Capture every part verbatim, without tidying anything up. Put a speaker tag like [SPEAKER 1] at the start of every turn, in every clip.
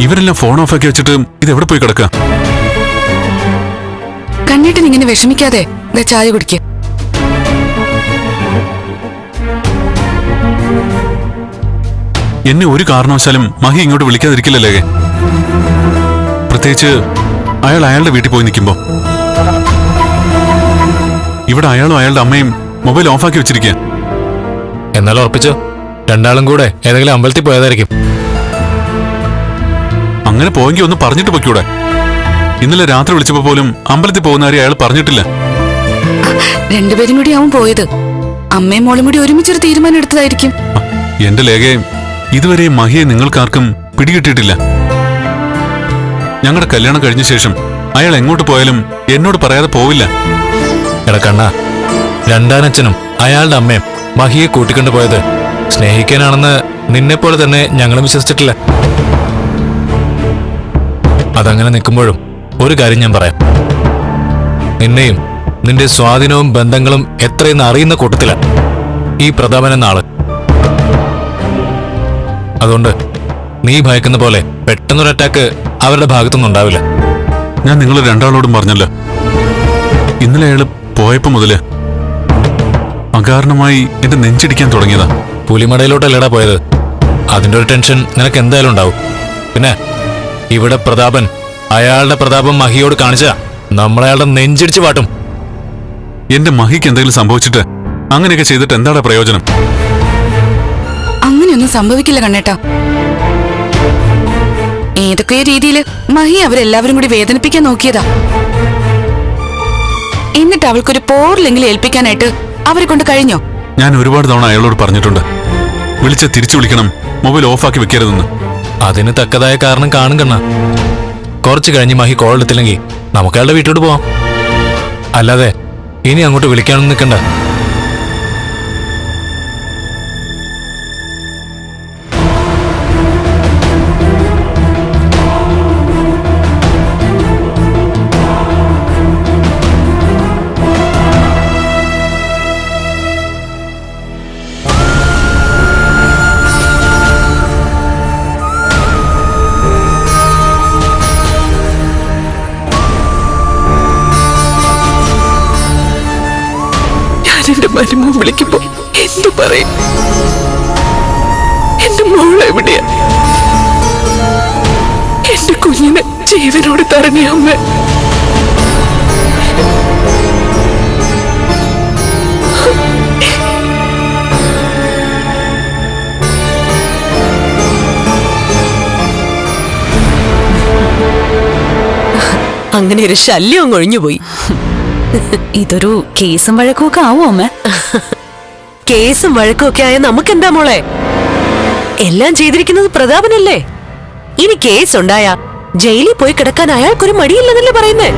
[SPEAKER 1] ഇവരെല്ലാം phone off ആക്കി വെച്ചിട്ട് ഇത് എവിടെ പോയി കിടക്കുക?
[SPEAKER 2] കണ്ണേട്ടൻ ഇങ്ങനെ വിഷമിക്കാതെ ചായ കുടിക്കുക.
[SPEAKER 1] എന്നെ ഒരു കാരണവശാലും മഹി ഇങ്ങോട്ട് വിളിക്കാതിരിക്കില്ലല്ലേ? പ്രത്യേകിച്ച് അയാൾ അയാളുടെ വീട്ടിൽ പോയി നിൽക്കുമ്പോ. ഇവിടെ അയാളും അയാളുടെ അമ്മയും മൊബൈൽ ഓഫാക്കി വെച്ചിരിക്കുക.
[SPEAKER 3] എന്നാലും ഉറപ്പിച്ചോ, രണ്ടാളും കൂടെ ഏതെങ്കിലും അമ്പലത്തിൽ പോയതായിരിക്കും.
[SPEAKER 1] അങ്ങനെ പോയെങ്കിൽ ഒന്ന് പറഞ്ഞിട്ട് പൊയ്ക്കൂടെ? ഇന്നലെ രാത്രി വിളിച്ചപ്പോ പോലും അമ്പലത്തിൽ പോകുന്ന കാര്യം അയാൾ പറഞ്ഞിട്ടില്ല.
[SPEAKER 2] രണ്ടുപേരും കൂടി ആവും പോയത്. അമ്മയും മോളും കൂടി ഒരുമിച്ചൊരു തീരുമാനം എടുത്തതായിരിക്കും.
[SPEAKER 1] എന്റെ ലേഖയും ഇതുവരെ മഹിയെ നിങ്ങൾക്കാർക്കും പിടികിട്ടിട്ടില്ല. ഞങ്ങളുടെ കല്യാണം കഴിഞ്ഞ ശേഷം അയാൾ എങ്ങോട്ട് പോയാലും എന്നോട് പറയാതെ പോവില്ല.
[SPEAKER 3] എടക്കണ്ണ, രണ്ടാനച്ഛനും അയാളുടെ അമ്മയും മഹിയെ കൂട്ടിക്കൊണ്ടു പോയത് സ്നേഹിക്കാനാണെന്ന് നിന്നെപ്പോലെ തന്നെ ഞങ്ങളും വിശ്വസിച്ചിട്ടില്ല. അതങ്ങനെ നിൽക്കുമ്പോഴും ഒരു കാര്യം ഞാൻ പറയാം. നിന്നെയും നിന്റെ സ്വാധീനവും ബന്ധങ്ങളും എത്രയെന്ന് അറിയുന്ന കൂട്ടത്തില ഈ പ്രതാപൻ എന്ന ആള്. അതുകൊണ്ട് നീ ഭയക്കുന്ന പോലെ പെട്ടെന്നൊരു അറ്റാക്ക് അവരുടെ ഭാഗത്തൊന്നും ഉണ്ടാവില്ല.
[SPEAKER 1] ഞാൻ നിങ്ങൾ രണ്ടാളോടും പറഞ്ഞല്ലോ, ഇന്നലെ അയാള് പോയപ്പോ മുതല് അകാരണമായി എന്റെ നെഞ്ചിടിക്കാൻ തുടങ്ങിയതാ.
[SPEAKER 3] പുലിമടയിലോട്ടല്ലടാ പോയത്. അതിന്റെ ഒരു ടെൻഷൻ നിനക്ക് എന്തായാലും ഉണ്ടാവും. പിന്നെ ഇവിടെ പ്രതാപൻ അയാളുടെ പ്രതാപം മഹിയോട് കാണിച്ച നമ്മളയാളുടെ നെഞ്ചിടിച്ചു പാട്ടും.
[SPEAKER 1] എന്റെ മഹിക്ക് എന്തെങ്കിലും സംഭവിച്ചിട്ട് അങ്ങനെയൊക്കെ ചെയ്തിട്ട് എന്താണ് പ്രയോജനം?
[SPEAKER 2] അങ്ങനെയൊന്നും സംഭവിക്കില്ല കണ്ണേട്ടാ. ഏതൊക്കെ രീതിയിൽ മഹി അവരെല്ലാവരും കൂടി വേദനിപ്പിക്കാൻ നോക്കിയതാ. എന്നിട്ട് അവൾക്കൊരു പോറിലെങ്കിലും ഏൽപ്പിക്കാനായിട്ട് അവരെ കൊണ്ട് കഴിഞ്ഞോ?
[SPEAKER 1] ഞാൻ ഒരുപാട് തവണ അയാളോട് പറഞ്ഞിട്ടുണ്ട്, വിളിച്ച് തിരിച്ചു വിളിക്കണം, മൊബൈൽ ഓഫാക്കി വെക്കരുതെന്ന്.
[SPEAKER 3] അതിന് തക്കതായ കാരണം കാണും കണ്ണ. കുറച്ച് കഴിഞ്ഞ് മഹി കോൾ എടുത്തില്ലെങ്കിൽ നമുക്ക് അയാളുടെ വീട്ടിലോട്ട് പോവാം. അല്ലാതെ ഇനി അങ്ങോട്ട് വിളിക്കാനൊന്നും നിൽക്കണ്ട.
[SPEAKER 2] എന്റെ മരുമോൻ വിളിക്കുമ്പോ എന്തു പറയും? എന്റെ മോള് എവിടെയാ? എന്റെ കുഞ്ഞിനെ ജീവനോട് തരണേ അമ്മ.
[SPEAKER 4] അങ്ങനെ ഒരു ശല്യം ഒഴിഞ്ഞുപോയി.
[SPEAKER 5] ഇതൊരു കേസും വഴക്കും ഒക്കെ ആവോ അമ്മ?
[SPEAKER 4] കേസും വഴക്കും ഒക്കെ ആയ നമുക്കെന്താ മോളെ? എല്ലാം ചെയ്തിരിക്കുന്നത് പ്രതാപനല്ലേ. ഇനി കേസ് ഉണ്ടായ ജയിലിൽ പോയി കിടക്കാൻ അയാൾക്കൊരു മടിയില്ലെന്നല്ലേ പറയുന്നേ.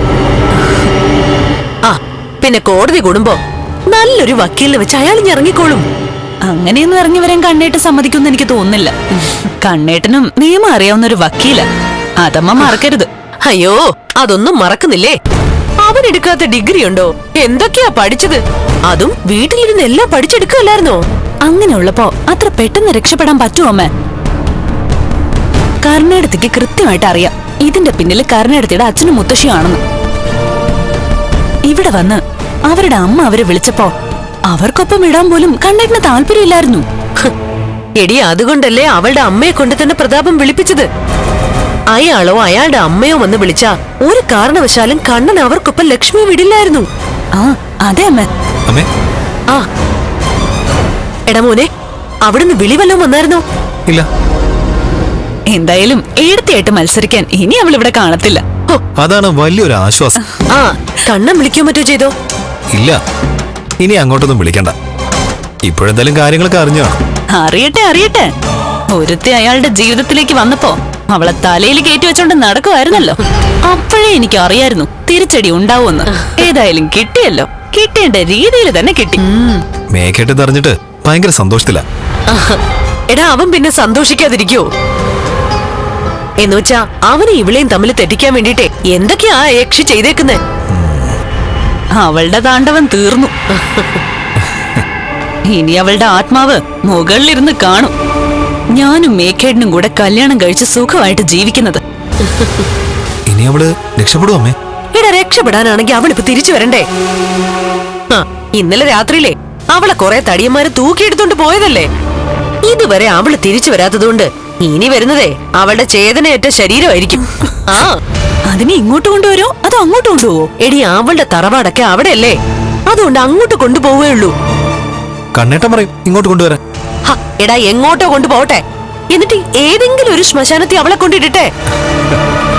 [SPEAKER 4] ആ പിന്നെ കോടതി കൂടുമ്പോ നല്ലൊരു വക്കീലിനെ വെച്ച് അയാൾ ഇറങ്ങിക്കോളും.
[SPEAKER 5] അങ്ങനെയൊന്നും ഇറങ്ങി വരാൻ കണ്ണേട്ട് സമ്മതിക്കുമെന്ന് എനിക്ക് തോന്നുന്നില്ല. കണ്ണേട്ടനും നിയമം അറിയാവുന്ന ഒരു വക്കീല, അതമ്മ മറക്കരുത്.
[SPEAKER 4] അയ്യോ, അതൊന്നും മറക്കുന്നില്ലേ? അവനെടുക്കാത്ത ഡിഗ്രി ഉണ്ടോ? എന്തൊക്കെയാ പഠിച്ചത്? അതും വീട്ടിലിരുന്ന് എല്ലാം പഠിച്ചെടുക്കല്ലായിരുന്നോ?
[SPEAKER 5] അങ്ങനെയുള്ളപ്പോ അത്ര പെട്ടെന്ന് രക്ഷപ്പെടാൻ പറ്റുമോ അമ്മ? കർണേടത്തിക്ക് കൃത്യമായിട്ട് അറിയാം ഇതിന്റെ പിന്നിൽ കർണേടത്തിയുടെ അച്ഛനും മുത്തശ്ശിയാണെന്ന്. ഇവിടെ വന്ന് അവരുടെ അമ്മ അവരെ വിളിച്ചപ്പോ അവർക്കൊപ്പം ഇടാൻ പോലും കണ്ണേട്ടിന് താല്പര്യമില്ലായിരുന്നു.
[SPEAKER 4] എടി, അതുകൊണ്ടല്ലേ അവളുടെ അമ്മയെ കൊണ്ട് തന്നെ പ്രതാപം വിളിപ്പിച്ചത്. അയാളോ അയാളുടെ അമ്മയോ വന്ന് വിളിച്ചാ ഒരു കാരണവശാലും കണ്ണൻ അവർക്കൊപ്പം ലക്ഷ്മി വിടില്ലായിരുന്നു.
[SPEAKER 5] ആ അതെ അമ്മ.
[SPEAKER 4] ആ എടാ മോനെ, അവിടുന്ന് വിളി വല്ലതും വന്നായിരുന്നോ?
[SPEAKER 3] ഇല്ല.
[SPEAKER 5] എന്തായാലും ഏടത്തിയായിട്ട് മത്സരിക്കാൻ ഇനി അവൾ ഇവിടെ കാണത്തില്ല.
[SPEAKER 3] അതാണ് വലിയൊരു ആശ്വാസം.
[SPEAKER 4] ആ കണ്ണൻ വിളിക്കോ മറ്റോ ചെയ്തോ?
[SPEAKER 3] ഇല്ല, ഇനി അങ്ങോട്ടൊന്നും വിളിക്കണ്ട. ഇപ്പോഴെന്തായാലും കാര്യങ്ങളൊക്കെ അറിഞ്ഞോ?
[SPEAKER 5] അറിയട്ടെ അറിയട്ടെ. ഒരുത്തി അയാളുടെ ജീവിതത്തിലേക്ക് വന്നപ്പോ അവളെ തലയിൽ കയറ്റി വെച്ചോണ്ട് നടക്കുമായിരുന്നല്ലോ. അപ്പോഴേ എനിക്ക് അറിയായിരുന്നു തിരിച്ചടി ഉണ്ടാവുമെന്ന്. ഏതായാലും കിട്ടിയല്ലോ. കിട്ടേണ്ട രീതിയിൽ തന്നെ കിട്ടി.
[SPEAKER 3] മേഘേട്ട് തെറിഞ്ഞിട്ട് ഭയങ്കര സന്തോഷത്തില.
[SPEAKER 4] എടാ, അവൻ പിന്നെ സന്തോഷിക്കാതിരിക്കോ? എന്നുവെച്ചാ അവനെ ഇവളെയും തമ്മിൽ തെറ്റിക്കാൻ വേണ്ടിട്ടേ എന്തൊക്കെയാ യക്ഷി ചെയ്തേക്കുന്നേ.
[SPEAKER 5] അവളുടെ താണ്ഡവം തീർന്നു. ഇനി അവളുടെ ആത്മാവ് മുകളിലിരുന്ന് കാണും. ഞാനും മേഘേടനും കൂടെ കല്യാണം കഴിച്ച് സുഖമായിട്ട് ജീവിക്കുന്നത്.
[SPEAKER 6] ഇനി അവള് രക്ഷപ്പെടും അമ്മേ?
[SPEAKER 4] എടാ, രക്ഷപ്പെടാനാണെങ്കിൽ അവളിപ്പോ തിരിച്ചു വരണ്ടേ? ആ, ഇന്നലെ രാത്രിയിലെ അവളെ കുറെ തടിയന്മാര് തൂക്കിയെടുത്തോണ്ട് പോയതല്ലേ? ഇതുവരെ അവള് തിരിച്ചു വരാത്തതുകൊണ്ട് ഇനി വരുന്നതേ അവളുടെ ചേതനയേറ്റ ശരീരമായിരിക്കും. ആ,
[SPEAKER 5] അതിനെ ഇങ്ങോട്ട് കൊണ്ടുവരോ അതോ അങ്ങോട്ട് കൊണ്ടുപോവോ?
[SPEAKER 4] എടി, അവളുടെ തറവാടൊക്കെ അവിടെയല്ലേ, അതുകൊണ്ട് അങ്ങോട്ട് കൊണ്ടുപോവേ ഉള്ളൂ.
[SPEAKER 6] കണ്ണേട്ടൻ പറയും ഇങ്ങോട്ട് കൊണ്ടുവരാൻ.
[SPEAKER 4] ഹ, എടാ, എങ്ങോട്ടോ കൊണ്ടുപോട്ടെ, എന്നിട്ട് ഏതെങ്കിലും ഒരു ശ്മശാനത്തിൽ അവളെ കൊണ്ടിടട്ടെ.